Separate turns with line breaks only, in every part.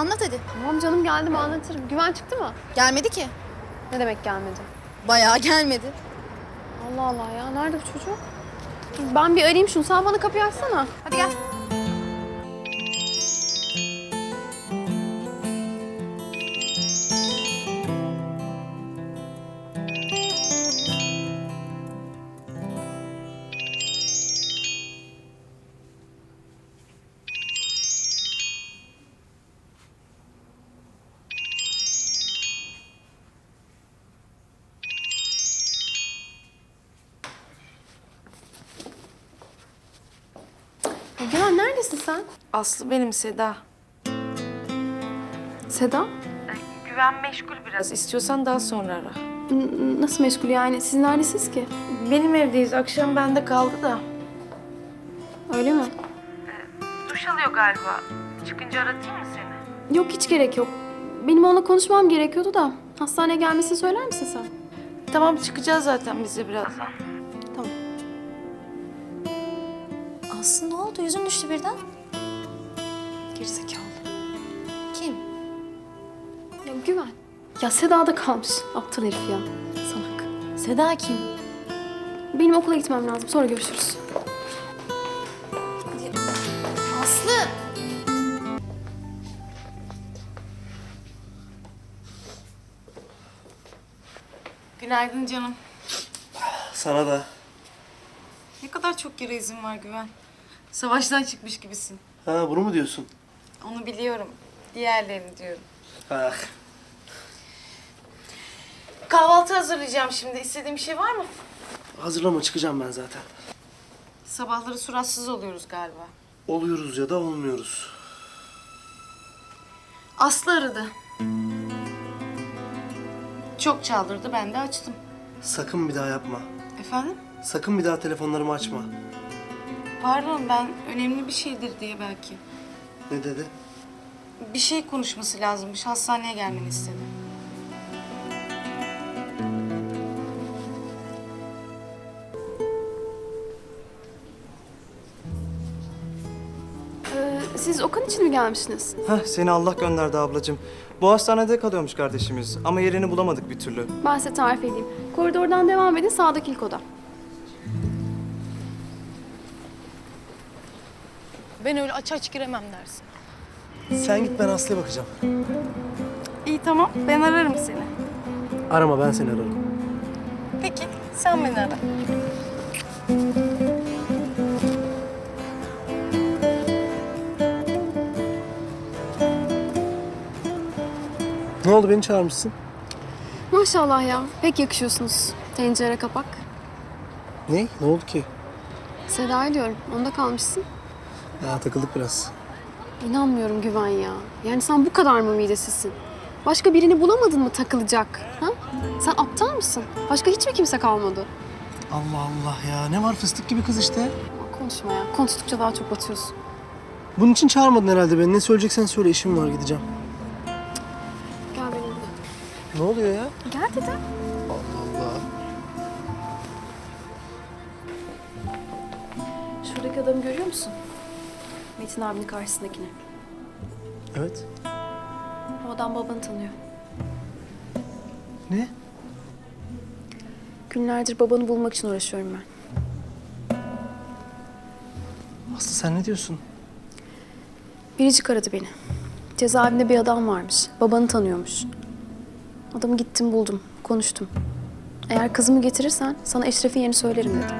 Anlat hadi.
Tamam canım, geldim anlatırım. Güven çıktı mı?
Gelmedi ki.
Ne demek gelmedi?
Bayağı gelmedi.
Allah Allah ya, nerede bu çocuk? Dur ben bir arayayım şunu, sen bana kapıyı açsana.
Hadi gel.
Ya Güven, neredesin sen?
Aslı benim Seda.
Seda?
Güven meşgul biraz. İstiyorsan daha sonra ara.
Nasıl meşgul yani? Siz neredesiniz ki?
Benim evdeyiz. Akşam bende kaldı da.
Öyle mi?
Duş alıyor galiba. Çıkınca aratayım mı seni?
Yok, hiç gerek yok. Benim onunla konuşmam gerekiyordu da. Hastaneye gelmesini söyler misin sen?
Tamam, çıkacağız zaten biz de birazdan.
Tamam.
Aslı ne oldu? Yüzün düştü birden.
Gerizekalı.
Kim?
Ya Güven. Ya Seda'da kalmış. Aptal herif ya. Salak.
Seda kim?
Benim okula gitmem lazım. Sonra görüşürüz.
Aslı!
Günaydın canım.
Sana da.
Ne kadar çok yere izin var Güven. Savaştan çıkmış gibisin.
Ha, bunu mu diyorsun?
Onu biliyorum. Diğerlerini diyorum.
Ah.
Kahvaltı hazırlayacağım şimdi. İstediğin bir şey var mı?
Hazırlama, çıkacağım ben zaten.
Sabahları suratsız oluyoruz galiba.
Oluyoruz ya da olmuyoruz.
Aslı aradı. Çok çaldırdı, ben de açtım.
Sakın bir daha yapma.
Efendim?
Sakın bir daha telefonlarımı açma.
Pardon, ben önemli bir şeydir diye belki.
Ne dedi?
Bir şey konuşması lazımmış, hastaneye gelmeni istedi.
Siz Okan için mi gelmişsiniz?
Heh, seni Allah gönderdi ablacığım. Bu hastanede kalıyormuş kardeşimiz ama yerini bulamadık bir türlü.
Ben size tarif edeyim. Koridordan devam edin, sağdaki ilk oda.
Ben öyle aç giremem dersin.
Sen git, ben Aslı'ya bakacağım.
İyi tamam, ben ararım seni.
Arama, ben seni ararım.
Peki, sen beni ara.
Ne oldu, beni çağırmışsın?
Maşallah ya, pek yakışıyorsunuz. Tencere kapak.
Ne? Ne oldu ki?
Seda'yı diyorum, onda kalmışsın.
Ya, takıldık biraz.
İnanmıyorum Güven ya. Yani sen bu kadar mı midesizsin? Başka birini bulamadın mı takılacak? Ha? Sen aptal mısın? Başka hiç mi kimse kalmadı?
Allah Allah ya, ne var, fıstık gibi kız işte.
Aman konuşma ya. Konuştukça daha çok batıyorsun.
Bunun için çağırmadın herhalde beni. Ne söyleyeceksen söyle, işim var, gideceğim.
Gel benimle.
Ne oluyor ya?
Gel dedim.
Allah Allah.
Şuradaki adamı görüyor musun? Metin abinin karşısındakini.
Evet.
O adam babanı tanıyor.
Ne?
Günlerdir babanı bulmak için uğraşıyorum ben.
Aslı, sen ne diyorsun?
Biricik aradı beni. Cezaevinde bir adam varmış. Babanı tanıyormuş. Adamı gittim buldum. Konuştum. Eğer kızımı getirirsen sana Eşref'in yerini söylerim dedi.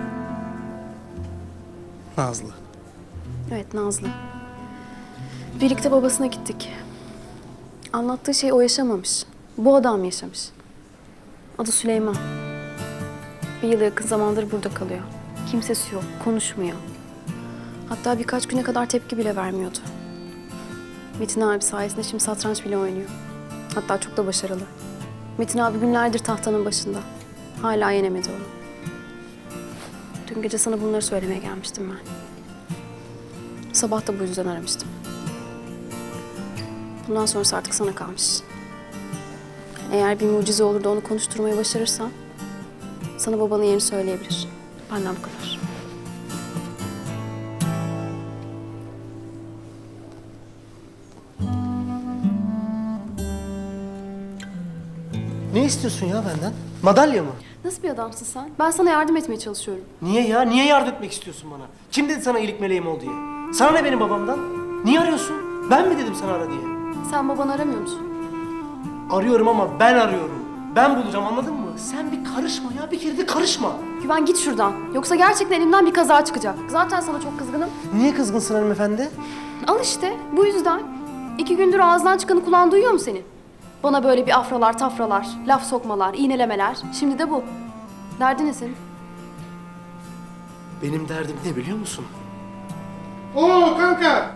Nazlı.
Evet, Nazlı. Birlikte babasına gittik. Anlattığı şey o yaşamamış. Bu adam yaşamış. Adı Süleyman. Bir yıla yakın zamandır burada kalıyor. Kimsesi yok, konuşmuyor. Hatta birkaç güne kadar tepki bile vermiyordu. Metin abi sayesinde şimdi satranç bile oynuyor. Hatta çok da başarılı. Metin abi günlerdir tahtanın başında. Hala yenemedi onu. Dün gece sana bunları söylemeye gelmiştim ben. Sabah da bu yüzden aramıştım. Bundan sonrası artık sana kalmış. Eğer bir mucize olur da onu konuşturmayı başarırsan... ...sana babanın yerini söyleyebilir. Benden bu kadar.
Ne istiyorsun ya benden? Madalya mı?
Nasıl bir adamsın sen? Ben sana yardım etmeye çalışıyorum.
Niye ya? Niye yardım etmek istiyorsun bana? Kim dedi sana iyilik meleğim ol diye? Sana ne benim babamdan? Niye arıyorsun? Ben mi dedim sana ara diye?
Sen babanı aramıyor musun?
Arıyorum ama ben arıyorum. Ben bulacağım, anladın mı? Sen bir karışma ya, bir kere de karışma.
Güven, git şuradan. Yoksa gerçekten elimden bir kaza çıkacak. Zaten sana çok kızgınım.
Niye kızgınsın hanımefendi?
Al işte, bu yüzden. 2 gündür ağzından çıkanı kulağın duyuyor mu senin? Bana böyle bir afralar, tafralar, laf sokmalar, iğnelemeler. Şimdi de bu. Derdin ne senin?
Benim derdim ne biliyor musun?
Oo kanka.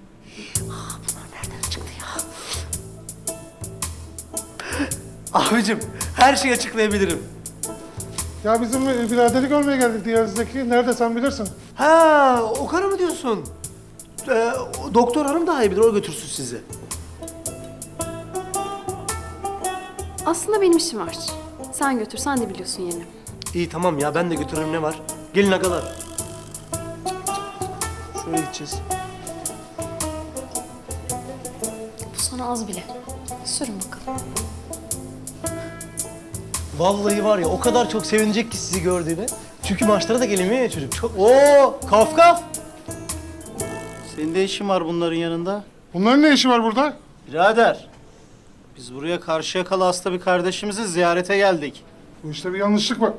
Abicim, her şeyi açıklayabilirim.
Ya bizim biraderi görmeye geldik Diyarbakır'daki. Nerede sen bilirsin.
Ha, o karı mı diyorsun? O doktor hanım daha iyi bilir, o götürsün sizi.
Aslında benim işim var. Sen götür, sen de biliyorsun yerini.
İyi tamam ya, ben de götürürüm, ne var? Gelin agalar. Şöyle gideceğiz.
Bu sana az bile. Sürün bakalım.
Vallahi var ya, o kadar çok sevinecek ki sizi gördüğüne. Çünkü maçlara da gelemiyor ya çocuk. Çok... Oo, kaf kaf.
Senin de işin var bunların yanında.
Bunların ne işi var burada?
Birader, biz buraya Karşıyakalı hasta bir kardeşimizi ziyarete geldik.
Bu işte bir yanlışlık var.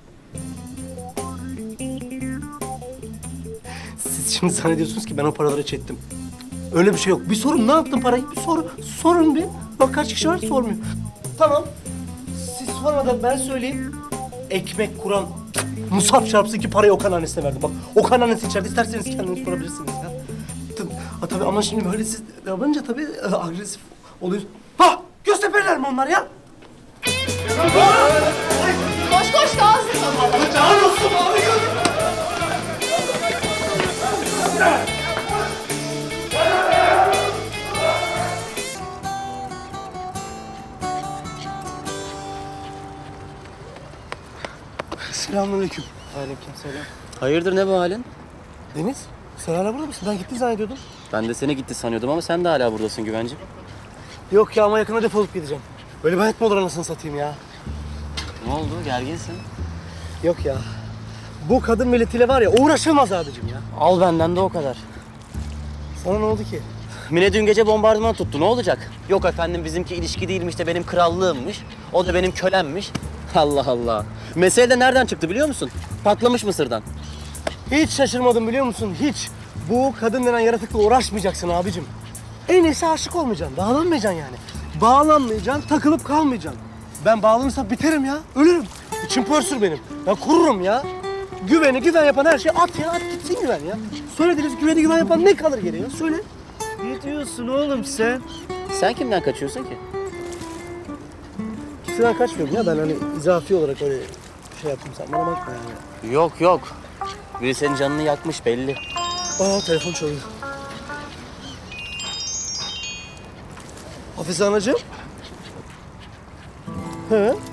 Siz şimdi zannediyorsunuz ki ben o paraları çektim. Öyle bir şey yok. Bir sorun, ne yaptın parayı? Bir sorun bir. Bak kaç kişi var sormuyor. Tamam. Siz sormadan ben söyleyeyim. Ekmek kuran Musab çarpsın ki parayı Okan annesine verdim. Bak Okan annesi içeride, isterseniz kendiniz sorabilirsiniz ya. Tabii ama şimdi böyle siz yapınca tabii agresif oluyoruz. Ha! Göztepe'liler mi onlar ya?
Koş koş gaz!
Can olsun abi. Selamünaleyküm.
Aleykümselam.
Hayırdır ne bu halin?
Deniz, sen hala burada mısın? Ben gittin zannediyordum.
Ben de seni gitti sanıyordum ama sen de hala buradasın Güvencim.
Yok ya, ama yakında defolup gideceğim. Böyle bir hayat mı olur anasını satayım ya?
Ne oldu? Gerginsin.
Yok ya. Bu kadın milletiyle var ya, uğraşılmaz abicim ya.
Al benden de o kadar.
Sana ne oldu ki?
Mine dün gece bombardıman tuttu. Ne olacak? Yok efendim bizimki ilişki değilmiş de benim krallığımmış. O da benim kölemmiş. Allah Allah. Mesele de nereden çıktı biliyor musun? Patlamış Mısır'dan.
Hiç şaşırmadım biliyor musun? Hiç. Bu kadın denen yaratıkla uğraşmayacaksın abicim. En iyisi aşık olmayacaksın, bağlanmayacaksın yani. Bağlanmayacaksın, takılıp kalmayacaksın. Ben bağlanırsam biterim ya, ölürüm. İçim pörsür benim. Ben kururum ya. Güven yapan her şey at ya, at gitsin güven ya. Söylediniz, güven yapan ne kalır geriye? Söyle.
Ne diyorsun oğlum sen?
Sen kimden kaçıyorsun ki?
Kimseden kaçmıyorum ya, ben hani izafi olarak öyle şey yaptım, sen bana bakma yani.
Yok yok. Biri senin canını yakmış belli.
Aa, telefon çalıyor. Hafize anacığım. He?